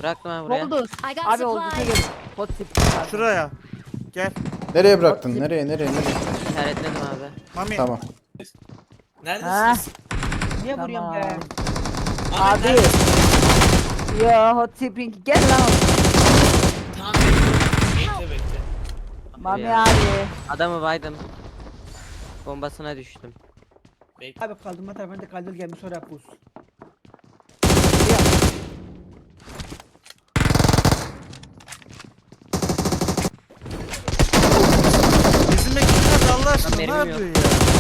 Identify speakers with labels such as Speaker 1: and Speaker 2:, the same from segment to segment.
Speaker 1: Bıraktım ben buraya.
Speaker 2: Oldu.
Speaker 3: I got
Speaker 2: Abi oldu.
Speaker 3: supplies.
Speaker 2: Hot tip.
Speaker 4: Şuraya. Gel.
Speaker 5: Nereye bıraktın? Nereye?
Speaker 1: İşaretledim abi.
Speaker 4: Mami.
Speaker 5: Tamam.
Speaker 6: Neredesiniz?
Speaker 2: Niye
Speaker 6: Tamam.
Speaker 2: vuruyorsun be?
Speaker 6: Ahmet
Speaker 2: Abi.
Speaker 6: neredesin?
Speaker 2: Ya hot tipping gel lan.
Speaker 6: Tamam bekle bekle.
Speaker 2: Mami
Speaker 1: Ya.
Speaker 2: abi.
Speaker 1: Adamı baydım. Bombasına düştüm.
Speaker 6: Bekle.
Speaker 7: Abi kaldırma tarafında kaldır gelmiş oraya pus.
Speaker 4: Bizim ekipler Allah aşkına ne
Speaker 1: Benim yok.
Speaker 4: yapıyor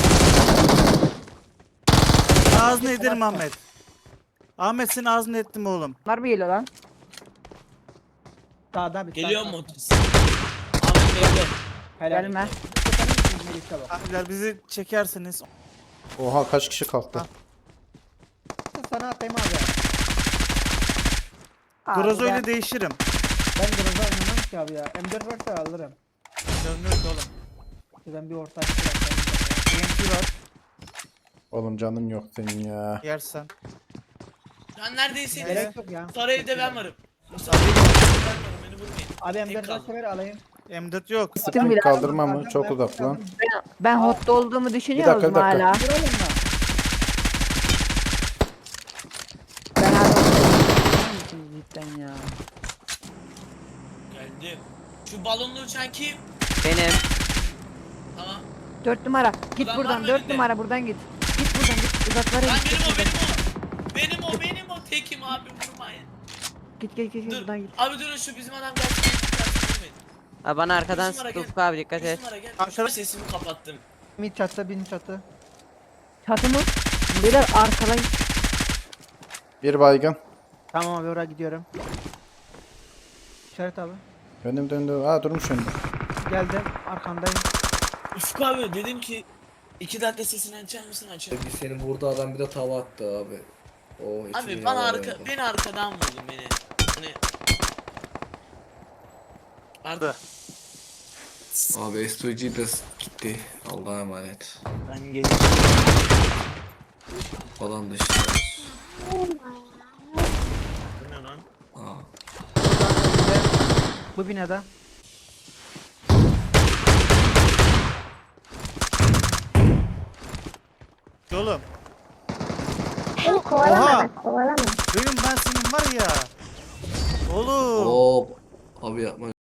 Speaker 4: ya? Ağzını ederim Ahmet. Ahmet senin ağzını ettim oğlum.
Speaker 2: Bunlar mı geliyor lan?
Speaker 7: Sağda bir
Speaker 6: Geliyor
Speaker 7: sağda.
Speaker 6: mu otis? Ahmet bekle.
Speaker 7: Helal.
Speaker 2: Gelme.
Speaker 7: Melih'te bak.
Speaker 4: Abiler bizi çekerseniz.
Speaker 5: Oha kaç kişi kalktı?
Speaker 7: Sana atayım abi.
Speaker 2: Abi
Speaker 4: Grozo
Speaker 2: ben-
Speaker 4: ile değişirim.
Speaker 7: Ben Groz'a oynamam ki abi ya. M4 varsa alırım.
Speaker 4: Görmüyoruz oğlum.
Speaker 7: Ben bir orta açtım.
Speaker 4: TNT var.
Speaker 5: Oğlum canım yok senin ya.
Speaker 4: Yersen.
Speaker 6: Sen neredeyseniz.
Speaker 7: Gerek yok ya.
Speaker 6: Sarı evde ben varım. Sarı evde ben varım, beni vurmayın.
Speaker 7: Abi
Speaker 6: Tek
Speaker 7: M4
Speaker 6: kaldım.
Speaker 7: varsa ver alayım.
Speaker 4: M4 yok.
Speaker 2: Gittim bile.
Speaker 5: Kaldırma mı? Çok uzak lan.
Speaker 2: Ben hotta olduğumu düşünüyor
Speaker 5: Bir dakika,
Speaker 2: musun
Speaker 5: bir dakika.
Speaker 2: hala?
Speaker 7: Vuralım mı?
Speaker 2: Ben hala cidden ya.
Speaker 6: Geldim. Şu balonlu uçan kim?
Speaker 1: Benim.
Speaker 6: Tamam.
Speaker 2: 4 numara. Git
Speaker 6: Ulan var
Speaker 2: buradan
Speaker 6: mı
Speaker 2: 4
Speaker 6: önünde?
Speaker 2: numara buradan git. Git buradan git. Uzaklara
Speaker 6: Lan
Speaker 2: git.
Speaker 6: benim o. Benim o tekim abi vurmayın.
Speaker 2: Git
Speaker 6: Dur.
Speaker 2: buradan git.
Speaker 6: Abi durun şu bizim adam gelsin. Vurmayın.
Speaker 1: Ha, bana arkadan
Speaker 6: Yusuf Ara
Speaker 1: sıktı
Speaker 6: gel.
Speaker 1: Ufuk abi, dikkat et.
Speaker 6: Yusuf Ara gel.
Speaker 4: Aşağı-
Speaker 6: Sesimi kapattım.
Speaker 7: Mid çatı, bin çatı.
Speaker 2: Çatı mı? Beyler arkadan.
Speaker 5: Bir baygın.
Speaker 7: Tamam abi oraya gidiyorum. İşaret abi.
Speaker 5: Önüm döndü. Aa durmuş önümde.
Speaker 7: Geldim arkandayım.
Speaker 6: Ufuk abi dedim ki 2 dakika sesini açar mısın açar.
Speaker 8: Bir senin vurdu adam bir de tava attı abi. O hiç
Speaker 6: Abi
Speaker 8: iyi
Speaker 6: bana
Speaker 8: olmadı.
Speaker 6: beni arkadan vurdun beni. Hani Arda.
Speaker 8: Abi SOG de gitti. Allah'a emanet.
Speaker 6: Ben geleceğim.
Speaker 8: Falan dışında.
Speaker 6: Bu ne lan?
Speaker 8: Aa.
Speaker 7: Bu binada.
Speaker 4: Oğlum.
Speaker 9: Kovalama
Speaker 4: Oha.
Speaker 9: bak, kovalama.
Speaker 4: Benim ben senin var ya. Oğlum.
Speaker 8: Oo. Abi yapma.